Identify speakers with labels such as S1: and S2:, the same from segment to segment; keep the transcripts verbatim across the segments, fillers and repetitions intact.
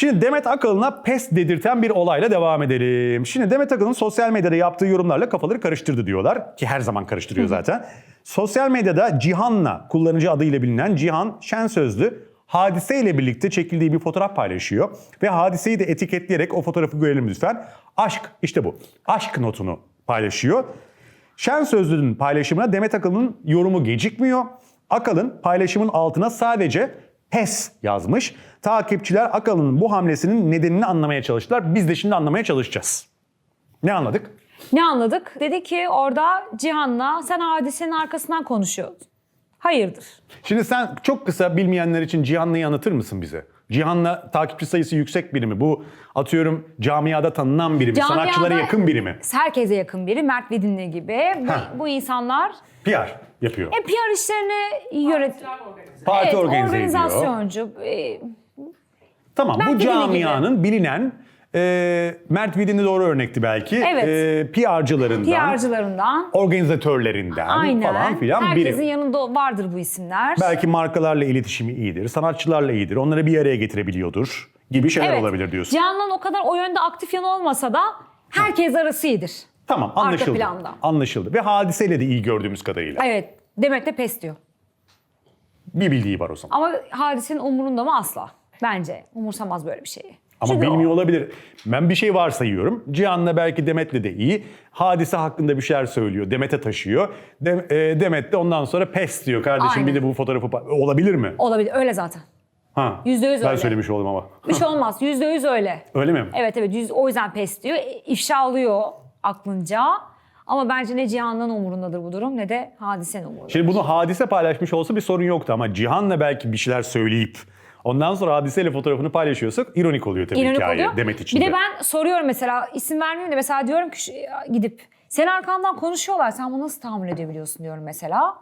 S1: Şimdi Demet Akalın'a pes dedirten bir olayla devam edelim. Şimdi Demet Akalın sosyal medyada yaptığı yorumlarla kafaları karıştırdı diyorlar. Ki her zaman karıştırıyor zaten. Sosyal medyada Cihan'la, kullanıcı adıyla bilinen Cihan Şensözlü, Hadise ile birlikte çekildiği bir fotoğraf paylaşıyor. Ve Hadise'yi de etiketleyerek o fotoğrafı görelim lütfen. Aşk, işte bu. Aşk notunu paylaşıyor. Şensözlü'nün paylaşımına Demet Akalın'ın yorumu gecikmiyor. Akalın paylaşımın altına sadece pes yazmış. Takipçiler Akalın'ın bu hamlesinin nedenini anlamaya çalıştılar. Biz de şimdi anlamaya çalışacağız. Ne anladık?
S2: Ne anladık? Dedi ki orada Cihan'la sen Hadise'nin arkasından konuşuyordun. Hayırdır?
S1: Şimdi sen çok kısa bilmeyenler için Cihan'la anlatır mısın bize? Cihan'la takipçi sayısı yüksek biri mi? Bu atıyorum camiada tanınan biri mi?
S2: Camiada
S1: Sanatçılara yakın biri mi?
S2: Herkese yakın biri. Mert Vidinli gibi. Bu, bu insanlar
S1: P R yapıyor.
S2: e, P R işlerini yönet...
S1: Parti
S2: Evet,
S1: organize ediyor.
S2: organizasyoncu. E,
S1: Tamam,
S2: Mert
S1: bu
S2: Vidinli
S1: camianın bilinen e, Mert Vidinli doğru örnekti belki.
S2: Evet.
S1: E, P R'cılarından,
S2: P R'cılarından.
S1: organizatörlerinden
S2: Aynen.
S1: falan filan
S2: Herkesin
S1: biri.
S2: yanında vardır bu isimler.
S1: Belki markalarla iletişimi iyidir, sanatçılarla iyidir, onları bir araya getirebiliyordur gibi şeyler
S2: Evet.
S1: olabilir diyorsun.
S2: Cihan'la o kadar o yönde aktif yanı olmasa da herkes arası iyidir.
S1: Tamam, anlaşıldı.
S2: planda.
S1: Anlaşıldı. Ve Hadiseyle de iyi gördüğümüz kadarıyla.
S2: Evet. Demet de pes diyor.
S1: Bir bildiği var o zaman.
S2: Ama Hadise'nin umurunda mı? Asla. Bence umursamaz böyle bir şeyi.
S1: Ama
S2: Çünkü
S1: bilmiyor
S2: o-
S1: olabilir. Ben bir şey varsayıyorum. Cihan'la belki Demet'le de iyi. Hadise hakkında bir şeyler söylüyor. Demet'e taşıyor. Dem- e, Demet de ondan sonra pes diyor. Kardeşim
S2: Aynen.
S1: bir de bu fotoğrafı... pa- Olabilir mi?
S2: Olabilir. Öyle zaten.
S1: Ha.
S2: Yüzde yüz
S1: Ben
S2: öyle.
S1: söylemiş oldum ama.
S2: Bir şey olmaz. Yüzde yüz öyle.
S1: Öyle mi?
S2: Evet evet. Yüz, o yüzden pes diyor. E, İfşa alıyor aklınca. Ama bence ne Cihan'ın umurundadır bu durum ne de Hadise'nin umurunda.
S1: Şimdi bunu Hadise paylaşmış olsa bir sorun yoktu ama Cihan'la belki bir şeyler söyleyip ondan sonra Hadise'yle fotoğrafını paylaşıyorsak ironik oluyor tabii
S2: İronik
S1: hikaye
S2: oluyor.
S1: Demet için
S2: Bir
S1: de.
S2: de ben soruyorum mesela isim vermeyeyim de mesela diyorum ki şu- gidip senin arkandan konuşuyorlar sen bunu nasıl tahammül edebiliyorsun diyorum mesela.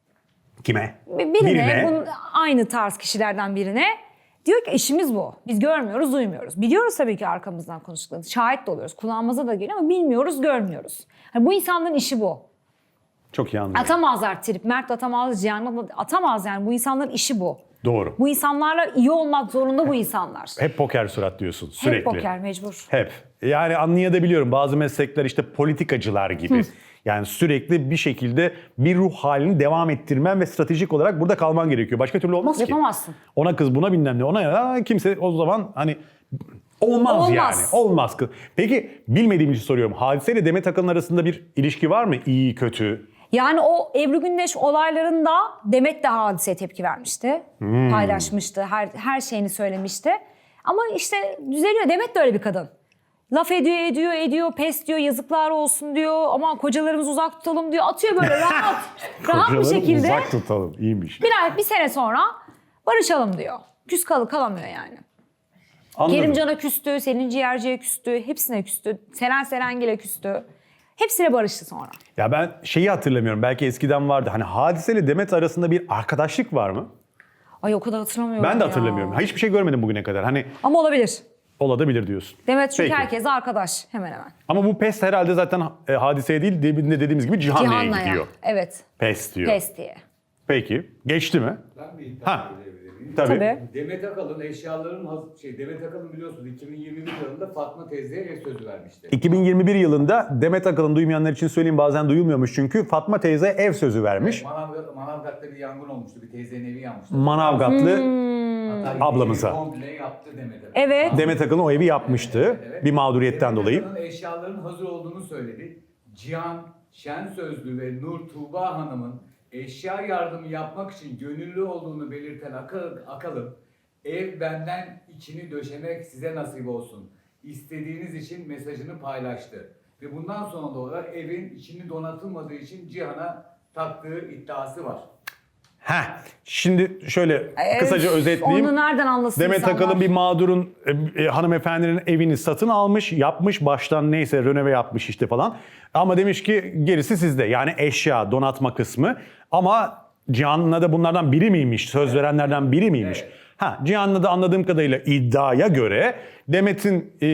S1: Kime?
S2: Bir- Birine, bunun aynı tarz kişilerden birine diyor ki işimiz bu. Biz görmüyoruz, duymuyoruz. Biliyoruz tabii ki arkamızdan konuştuklarını. Şahit de oluyoruz. Kulağımıza da geliyor ama bilmiyoruz, görmüyoruz. Hani bu insanların işi bu.
S1: Çok iyi anlıyorum.
S2: Atamazlar trip. Mert atamaz, Cihan atamaz yani. Bu insanların işi bu.
S1: Doğru.
S2: Bu insanlarla iyi olmak zorunda bu insanlar.
S1: Hep poker surat diyorsun sürekli.
S2: Hep poker mecbur.
S1: Hep. Yani anlayabiliyorum bazı meslekler işte politikacılar gibi. Yani sürekli bir şekilde bir ruh halini devam ettirmen ve stratejik olarak burada kalman gerekiyor. Başka türlü olmaz ki.
S2: Yapamazsın.
S1: Ona kız buna bilmem ne ona ya kimse o zaman hani olmaz,
S2: Olmaz.
S1: yani. Olmaz kız. Peki bilmediğim için soruyorum. Hadise ile Demet Akalın arasında bir ilişki var mı? İyi, kötü?
S2: Yani o Ebru Gündeş olaylarında Demet de Hadise'ye tepki vermişti. Paylaşmıştı. Her, her şeyini söylemişti. Ama işte düzeliyor. Demet de öyle bir kadın. Laf ediyor, ediyor, ediyor, pes diyor, yazıklar olsun diyor. Ama kocalarımızı uzak tutalım diyor. Atıyor böyle rahat, rahat bir
S1: Kocaları
S2: şekilde.
S1: uzak tutalım. İyiymiş.
S2: Bir ay, bir sene sonra barışalım diyor. Küs kalı kalamıyor yani.
S1: Anladım.
S2: Kerimcan'a küstü, Selin Ciğerci'ye küstü, hepsine küstü. Seren Serengil'e küstü. Hepsine barıştı sonra.
S1: Ya ben şeyi hatırlamıyorum. Belki eskiden vardı. Hani Hadise ile Demet arasında bir arkadaşlık var mı?
S2: Ay o kadar hatırlamıyorum
S1: Ben de
S2: ya.
S1: hatırlamıyorum. Hiçbir şey görmedim bugüne kadar. Hani
S2: Ama olabilir.
S1: olabilir diyorsun.
S2: Demet çünkü
S1: Peki.
S2: herkes arkadaş hemen hemen.
S1: Ama bu pes herhalde zaten e, Hadiseye değil, de, dediğimiz gibi Cihan'la
S2: Cihan'la
S1: gidiyor.
S2: ya. Evet.
S1: Pes diyor.
S2: Pes diye.
S1: Peki. Geçti mi?
S3: Ben bir iddia
S1: Ha.
S3: edebilir miyim?
S1: Tabii.
S2: Tabii.
S3: Demet Akalın eşyaların haz- şey Demet Akalın biliyorsunuz iki bin yirmi bir yılında Fatma teyzeye ev sözü vermişti.
S1: iki bin yirmi bir yılında Demet Akalın, duymayanlar için söyleyeyim, bazen duyulmuyormuş çünkü, Fatma teyze ev sözü vermiş.
S3: Manavgat, Manavgat'ta bir yangın olmuştu. Bir teyzenin evi yanmıştı.
S1: Manavgatlı
S3: Hatta
S1: ablamıza.
S3: evi komple yaptı Demet Akalın.
S2: Evet.
S1: Demet Akalın o evi yapmıştı
S3: Evet.
S1: bir mağduriyetten
S3: Demet
S1: dolayı.
S3: Akalın eşyaların hazır olduğunu söyledi. Cihan Şensözlü ve Nur Tuğba Hanım'ın eşya yardımı yapmak için gönüllü olduğunu belirten Akal- Akalın, ev benden içini döşemek size nasip olsun. İstediğiniz için mesajını paylaştı. Ve bundan sonra da olarak evin içini donatılmadığı için Cihan'a taktığı iddiası var.
S1: Heh, şimdi şöyle kısaca
S2: Öf,
S1: özetleyeyim.
S2: Onu nereden anlasın
S1: Demet
S2: insanlar?
S1: Akalın bir mağdurun e, e, hanımefendinin evini satın almış, yapmış baştan, neyse rönove yapmış işte falan. Ama demiş ki gerisi sizde. Yani eşya, donatma kısmı. Ama Cihan'la da bunlardan biri miymiş? Söz verenlerden biri miymiş?
S3: Evet.
S1: Ha, Cihan'la da anladığım kadarıyla iddiaya göre Demet'in e,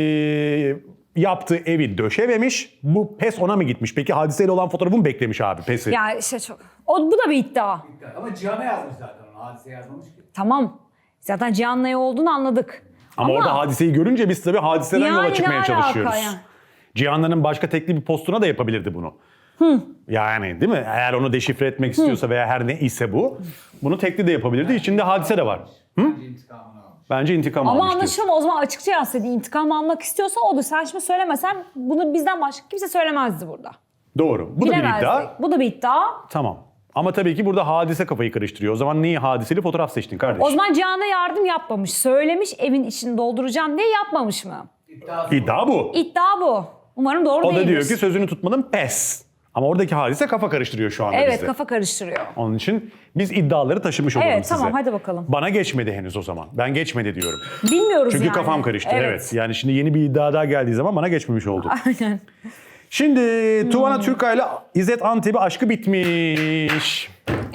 S1: yaptığı evi döşememiş. Bu pes ona mı gitmiş? Peki Hadiseyle olan fotoğrafı mı beklemiş abi pesi?
S2: Ya işte çok. O, bu da bir iddia.
S3: Ama Cihan'a yazmış zaten onu. Hadise yazmamış ki.
S2: Tamam. Zaten Cihan'la iyi olduğunu anladık.
S1: Ama,
S2: Ama-
S1: orada Hadise'yi görünce biz tabii Hadise'den
S2: Yani
S1: yola
S2: ne
S1: çıkmaya
S2: alaka
S1: çalışıyoruz.
S2: ya?
S1: Cihan'ın başka tekli bir postuna da yapabilirdi bunu. Yani değil mi? Eğer onu deşifre etmek istiyorsa veya her ne ise bu, bunu tekli de yapabilirdi. İçinde Hadise de var.
S3: Bence intikamını almış.
S1: Bence intikam
S2: Ama
S1: almış diyorsun.
S2: anlaşılan o zaman açıkça yazsaydı, intikam almak istiyorsa odur. Sen şimdi söylemesen bunu bizden başka kimse söylemezdi burada.
S1: Doğru. Bu da bir
S2: Bilemezdik.
S1: iddia.
S2: Bu da bir iddia.
S1: Tamam. Ama tabii ki burada Hadise kafayı karıştırıyor. O zaman niye Hadiseli fotoğraf seçtin kardeşim?
S2: O zaman Cihan'a yardım yapmamış. Söylemiş evin içini dolduracağım diye, yapmamış mı?
S3: İddiası
S1: İddia bu.
S2: İddia bu. Umarım doğru
S1: O da
S2: değildir.
S1: diyor ki sözünü tutmadın, pes. Ama oradaki Hadise kafa karıştırıyor şu anda
S2: Evet,
S1: bize.
S2: kafa karıştırıyor.
S1: Onun için biz iddiaları taşımış olalım
S2: Evet,
S1: size.
S2: tamam, hadi bakalım.
S1: Bana geçmedi henüz o zaman. Ben geçmedi diyorum.
S2: Bilmiyoruz
S1: Çünkü
S2: yani.
S1: kafam karıştı. Evet. Yani şimdi yeni bir iddia daha geldiği zaman bana geçmemiş oldu.
S2: Aynen.
S1: Şimdi
S2: Hmm.
S1: Tuvana Türkay ile İzzet Antep'i aşkı bitmiş.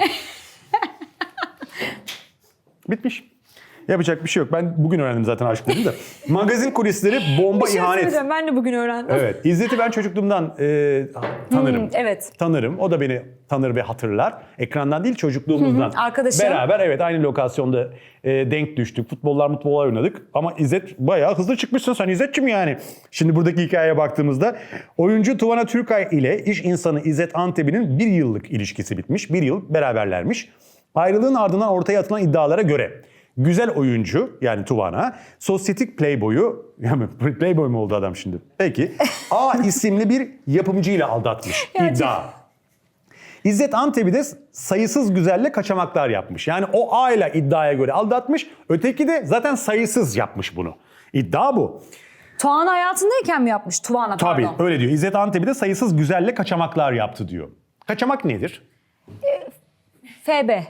S1: Bitmiş. Yapacak bir şey yok. Ben bugün öğrendim zaten aşk dedim de. Magazin kulisleri bomba
S2: Bir şey
S1: ihanet.
S2: söyleyeceğim, ben de bugün öğrendim.
S1: Evet. İzzet'i ben çocukluğumdan e, tanırım.
S2: Hmm, evet.
S1: Tanırım. O da beni tanır ve hatırlar. Ekrandan değil, çocukluğumuzdan.
S2: Hı hı, arkadaşım.
S1: Beraber evet aynı lokasyonda e, denk düştük. Futbollar mutbollar oynadık. Ama İzzet bayağı hızlı çıkmışsın sen İzzet'cim yani. Şimdi buradaki hikayeye baktığımızda oyuncu Tuvana Türkay ile iş insanı İzzet Antep'in bir yıllık ilişkisi bitmiş. Bir yıl beraberlermiş. Ayrılığın ardından ortaya atılan iddialara göre güzel oyuncu yani Tuvana, sosyetik playboyu, yani playboy mu oldu adam şimdi? Peki. A isimli bir yapımcıyla aldatmış.
S2: Gerçek-
S1: İddia. İzzet Antep'i de sayısız güzelle kaçamaklar yapmış. Yani o A ile iddiaya göre aldatmış. Öteki de zaten sayısız yapmış bunu. İddia bu.
S2: Tuğan hayatındayken mi yapmış? Tuğan'a
S1: Tabii
S2: pardon.
S1: öyle diyor. İzzet Antep'i de sayısız güzelle kaçamaklar yaptı diyor. Kaçamak nedir?
S2: F B.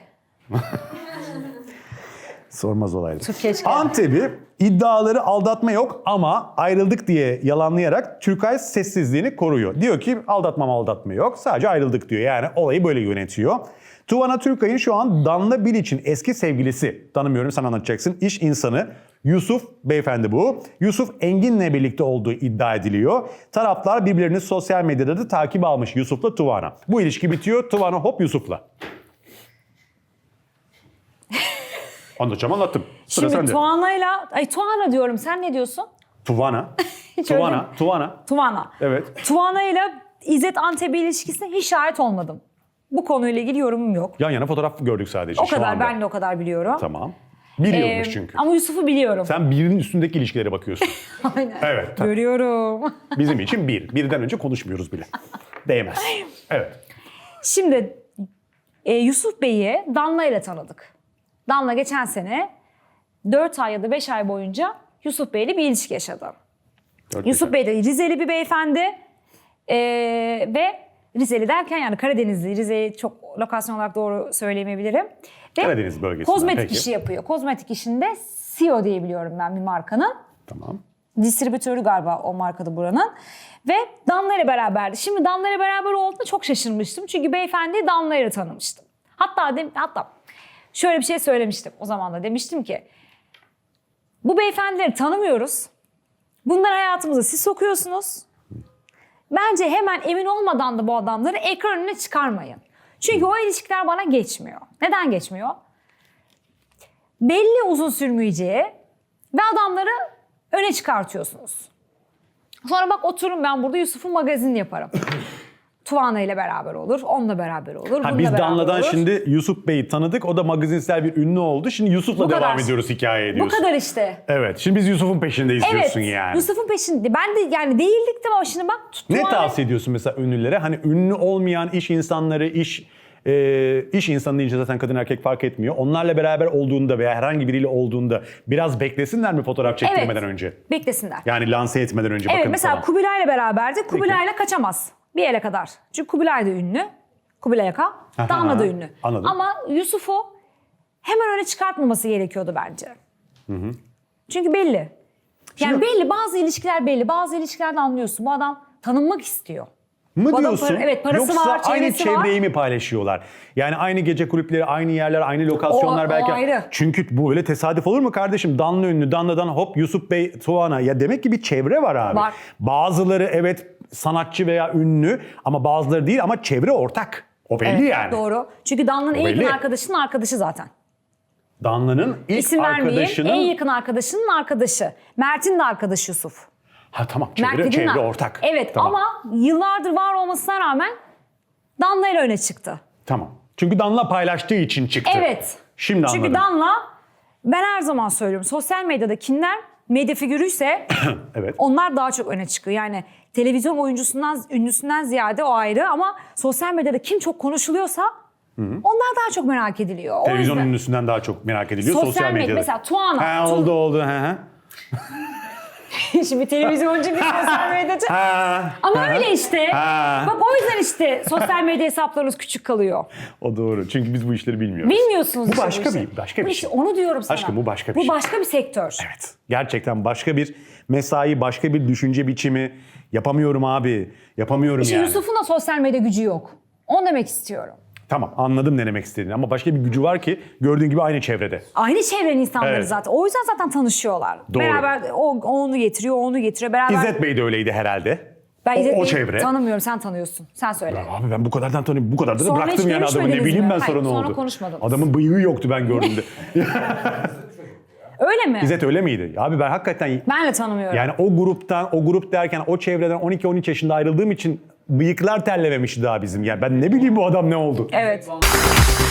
S1: Sormaz olaydı.
S2: Türkiye çıkar.
S1: Antep'i iddiaları aldatma yok ama ayrıldık diye yalanlayarak Türkay sessizliğini koruyor. Diyor ki aldatmam aldatma yok, sadece ayrıldık diyor. Yani olayı böyle yönetiyor. Tuvana Türkay'ın şu an Danla Bilic'in eski sevgilisi, tanımıyorum sen anlatacaksın, iş insanı Yusuf beyefendi bu. Yusuf Engin'le birlikte olduğu iddia ediliyor. Taraflar birbirlerini sosyal medyada da takip almış Yusuf'la Tuvana. Bu ilişki bitiyor, Tuvana hop Yusuf'la. Anlatacağım anlattım. Sıra
S2: Şimdi
S1: sende.
S2: Tuğana'yla, ay Tuğana diyorum, sen ne diyorsun?
S1: Tuvana.
S2: Hiç öyle
S1: Tuvana.
S2: mi?
S1: Tuvana.
S2: Tuğana.
S1: Evet.
S2: Tuğana'yla İzzet Antep'i ilişkisine hiç şahit olmadım. Bu konuyla ilgili yorumum yok.
S1: Yan yana fotoğraf gördük sadece
S2: O
S1: şu
S2: kadar,
S1: anda.
S2: ben de o kadar biliyorum.
S1: Tamam. Bir
S2: Ee,
S1: yılmış çünkü.
S2: Ama Yusuf'u biliyorum.
S1: Sen birinin üstündeki ilişkilere bakıyorsun.
S2: Aynen.
S1: Evet. Tabii.
S2: Görüyorum.
S1: Bizim için bir. Birden önce konuşmuyoruz bile. Değmez. Evet.
S2: Şimdi e, Yusuf Bey'i Danla ile tanıdık. Danla geçen sene dört ay ya da beş ay boyunca Yusuf Bey'le bir ilişki yaşadı.
S1: Dört
S2: Yusuf
S1: beş
S2: Bey de Rizeli bir beyefendi e, ve Rizeli derken yani Karadenizli, Rize'yi çok lokasyon olarak doğru söyleyemeyebilirim. Ve
S1: Karadeniz bölgesinden,
S2: kozmetik
S1: peki.
S2: işi yapıyor. Kozmetik işinde C E O diye biliyorum ben bir markanın.
S1: Tamam.
S2: Distribütörü galiba o markada buranın. Ve Danla ile beraberdi. Şimdi Danla ile beraber olduğunda çok şaşırmıştım. Çünkü beyefendiyi Danla ile tanımıştım. Hatta de, hatta şöyle bir şey söylemiştim o zaman da. Demiştim ki bu beyefendileri tanımıyoruz. Bunları hayatımıza siz sokuyorsunuz. Bence hemen emin olmadan da bu adamları ekran önüne çıkarmayın. Çünkü o ilişkiler bana geçmiyor. Neden geçmiyor? Belli uzun sürmeyeceği ve adamları öne çıkartıyorsunuz. Sonra bak oturun ben burada Yusuf'un magazinini yaparım. Tuvana ile beraber olur, onunla beraber olur, bununla
S1: Ha, biz
S2: beraber
S1: Danla'dan
S2: olur.
S1: şimdi Yusuf Bey'i tanıdık. O da magazinsel bir ünlü oldu. Şimdi Yusuf'la
S2: Bu
S1: devam
S2: kadar.
S1: ediyoruz hikayeye
S2: Bu
S1: diyorsun.
S2: kadar işte.
S1: Evet. Şimdi biz Yusuf'un peşindeyiz
S2: Evet,
S1: diyorsun yani.
S2: Yusuf'un peşinde. Ben de yani değildik de ama şimdi bak.
S1: Ne
S2: Tuvana-
S1: tavsiye ediyorsun mesela ünlülere? Hani ünlü olmayan iş insanları, iş e, iş insanı deyince zaten kadın erkek fark etmiyor. Onlarla beraber olduğunda veya herhangi biriyle olduğunda biraz beklesinler mi fotoğraf çektirmeden
S2: Evet,
S1: önce?
S2: beklesinler.
S1: Yani lanse etmeden önce
S2: Evet
S1: bakın
S2: mesela
S1: falan.
S2: Kubilay'la beraberdi. Kubilay'la kaçamaz. Bir yere kadar. Çünkü Kubilay da ünlü. Kubilay Aka. Danla da ünlü.
S1: Anladım.
S2: Ama Yusuf'u hemen öne çıkartmaması gerekiyordu bence. Çünkü belli. Yani
S1: Şimdi-
S2: belli, bazı ilişkiler belli. Bazı ilişkilerde anlıyorsun. Bu adam tanınmak istiyor.
S1: Mı
S2: Bu adam
S1: diyorsun?
S2: para- evet, parası
S1: Yoksa
S2: var,
S1: aynı
S2: çevresi var.
S1: çevreyi mi paylaşıyorlar? Yani aynı gece kulüpleri, aynı yerler, aynı lokasyonlar
S2: O- o
S1: belki.
S2: ayrı.
S1: Çünkü bu öyle tesadüf olur mu kardeşim? Danla ünlü, Danla'dan hop Yusuf Bey, Tuana. Ya demek ki bir çevre var abi.
S2: Var.
S1: Bazıları evet sanatçı veya ünlü ama bazıları değil ama çevre ortak. O belli
S2: Evet,
S1: yani.
S2: doğru. Çünkü Danla'nın en yakın
S1: belli.
S2: arkadaşının arkadaşı zaten.
S1: Danla'nın ilk
S2: İsim vermeyeyim.
S1: arkadaşının...
S2: En yakın arkadaşının arkadaşı. Mert'in de arkadaşı Yusuf.
S1: Ha tamam,
S2: Mert
S1: çevre,
S2: dediğin
S1: çevre
S2: ar-
S1: ortak.
S2: Evet
S1: Tamam.
S2: ama yıllardır var olmasına rağmen Danla ile öne çıktı.
S1: Tamam. Çünkü Danla paylaştığı için çıktı.
S2: Evet.
S1: Şimdi
S2: Çünkü
S1: anladım.
S2: Danla, ben her zaman söylüyorum, sosyal medyada kimler medya figürüyse
S1: Evet.
S2: onlar daha çok öne çıkıyor. Yani televizyon oyuncusundan, ünlüsünden ziyade o ayrı ama sosyal medyada kim çok konuşuluyorsa onlar daha çok merak ediliyor. O
S1: Televizyon
S2: yüzden-
S1: ünlüsünden daha çok merak ediliyor
S2: Sosyal
S1: sosyal,
S2: medya,
S1: medyada.
S2: mesela Tuana.
S1: Ha,
S2: Tu-
S1: oldu oldu. Ha, ha.
S2: Şimdi televizyoncu bir sosyal medyacı.
S1: Ha,
S2: Ama
S1: ha.
S2: öyle işte.
S1: Ha.
S2: Bak o yüzden işte sosyal medya hesaplarınız küçük kalıyor.
S1: O doğru. Çünkü biz bu işleri bilmiyoruz.
S2: Bilmiyorsunuz
S1: Bu
S2: işte
S1: başka
S2: işi.
S1: bir- başka bir
S2: Bu işte
S1: şey.
S2: onu diyorum sana.
S1: Aşkım bu başka bir
S2: Bu
S1: şey.
S2: başka bir sektör.
S1: Evet. Gerçekten başka bir mesai, başka bir düşünce biçimi. Yapamıyorum abi. Yapamıyorum
S2: İşte
S1: yani.
S2: Yusuf'un da sosyal medya gücü yok. Onu demek istiyorum.
S1: Tamam, anladım ne demek istediğini ama başka bir gücü var ki gördüğün gibi aynı çevrede.
S2: Aynı çevrenin insanları
S1: Evet.
S2: zaten. O yüzden zaten tanışıyorlar.
S1: Doğru.
S2: Beraber o, o onu getiriyor, o onu getiriyor. Beraber.
S1: İzzet Bey de öyleydi herhalde.
S2: ben
S1: o,
S2: İzzet
S1: o
S2: Bey'i
S1: çevre.
S2: tanımıyorum, sen tanıyorsun. Sen söyle.
S1: Abi ben bu kadardan tanıyorum. Bu kadar da
S2: Sonra
S1: bıraktım
S2: hiç
S1: yani adamı. Ne
S2: görüşmediniz
S1: bileyim
S2: mi?
S1: ben
S2: Hayır,
S1: sonra ne
S2: sonra
S1: oldu.
S2: konuşmadınız.
S1: Adamın bıyığı yoktu ben gördüğümde.
S2: Öyle mi?
S1: İzzet öyle miydi? Abi ben hakikaten
S2: Ben de tanımıyorum.
S1: yani o gruptan, o grup derken o çevreden on iki on üç yaşında ayrıldığım için bıyıklar terlememişti daha bizim. Yani ben ne bileyim bu adam ne oldu.
S2: Evet.
S3: Van-